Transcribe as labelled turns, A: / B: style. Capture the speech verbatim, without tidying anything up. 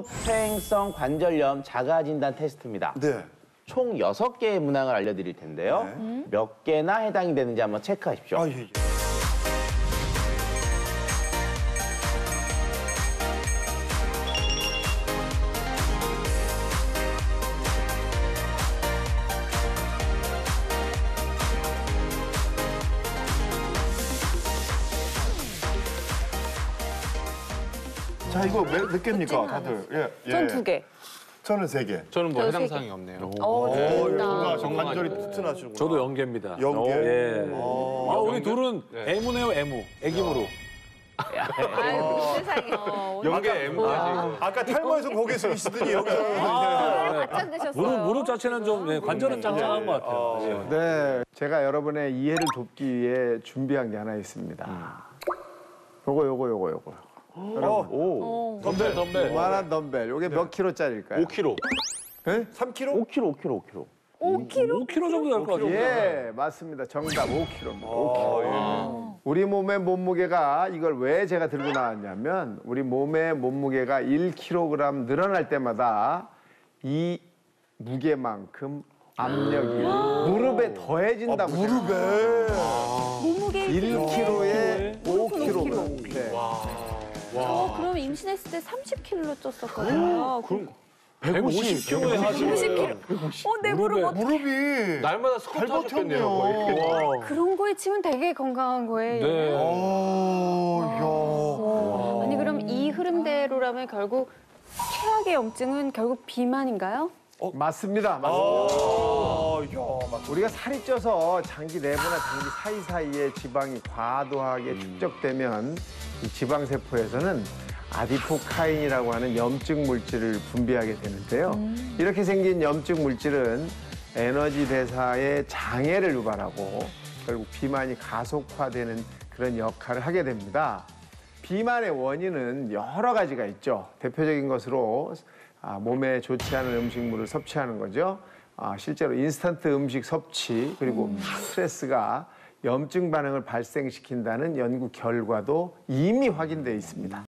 A: 수평성 관절염 자가 진단 테스트입니다.
B: 네.
A: 총 여섯 개의 문항을 알려드릴 텐데요.
B: 네.
A: 몇 개나 해당이 되는지 한번 체크하십시오.
B: 아, 예, 예. 자, 이거 몇, 몇 개입니까, 다들? 예, 예.
C: 전 두 개.
B: 저는 세 개.
D: 저는 뭐
C: 저도
D: 해당
C: 세
D: 사항이 없네요.
C: 어,
B: 어,
C: 재밌다.
B: 정말 관절이 튼튼하시구나.
E: 저도 연계입니다.
B: 연계?
E: 예.
B: 아,
E: 아, 우리 둘은
D: 네.
E: 애무네요, 애무. 애기무로.
C: 아유, 세상에. 어,
D: 연계 M까지.
B: 아까 탈모에서 고개 숙이시더니 여기서.
C: 오늘 바짝 드셨어요.
E: 무릎, 무릎 자체는 좀, 예, 관절은 짱짱한 것 같아요. 예.
F: 네, 제가 여러분의 이해를 돕기 위해 준비한 게 하나 있습니다. 요거, 요거, 요거, 요거. 여러분,
A: 오,
E: 덤벨, 덤벨.
F: 요만한 덤벨. 요게 몇 킬로짜리일까요?
D: 오 킬로그램.
F: 예?
B: 삼 킬로?
A: 오 킬로그램, 오 킬로그램, 오 킬로그램.
C: 오 킬로?
E: 오 킬로그램 정도 될 것 같아요.
F: 예, 맞습니다. 정답 오 킬로그램입니다. 오 킬로그램.
B: 아,
F: 우리 몸의 몸무게가 이걸 왜 제가 들고 나왔냐면 우리 몸의 몸무게가 일 킬로그램 늘어날 때마다 이 무게만큼 압력이 무릎에 더해진다고.
B: 예. 무릎에.
C: 몸무게
F: 일 킬로그램에 오
C: 무릎은 오
F: 킬로그램. 네.
C: 저 그럼 임신했을 때 삼십 킬로 쪘었거든요. 그럼
E: 백오십 킬로그램에 하시고.
C: 오십 킬로. 어, 내 무릎 어떻게
B: 무릎이.
D: 날마다
B: 잘
D: 스쿼트 하셨겠네요.
B: 버텼네요.
D: 거의.
C: 그런 거에 치면 되게 건강한 거예요.
E: 네.
B: 어, 야.
C: 아니 그럼 이 흐름대로라면 결국 최악의 염증은 결국 비만인가요?
F: 맞습니다. 맞습니다.
B: 아, 야, 맞
F: 우리가 살이 쪄서 장기 내부나 장기 사이사이에 지방이 과도하게 축적되면 이 지방세포에서는 아디포카인이라고 하는 염증 물질을 분비하게 되는데요. 이렇게 생긴 염증 물질은 에너지 대사에 장애를 유발하고 결국 비만이 가속화되는 그런 역할을 하게 됩니다. 비만의 원인은 여러 가지가 있죠. 대표적인 것으로 아, 몸에 좋지 않은 음식물을 섭취하는 거죠. 아, 실제로 인스턴트 음식 섭취 그리고 스트레스가 염증 반응을 발생시킨다는 연구 결과도 이미 확인돼 있습니다.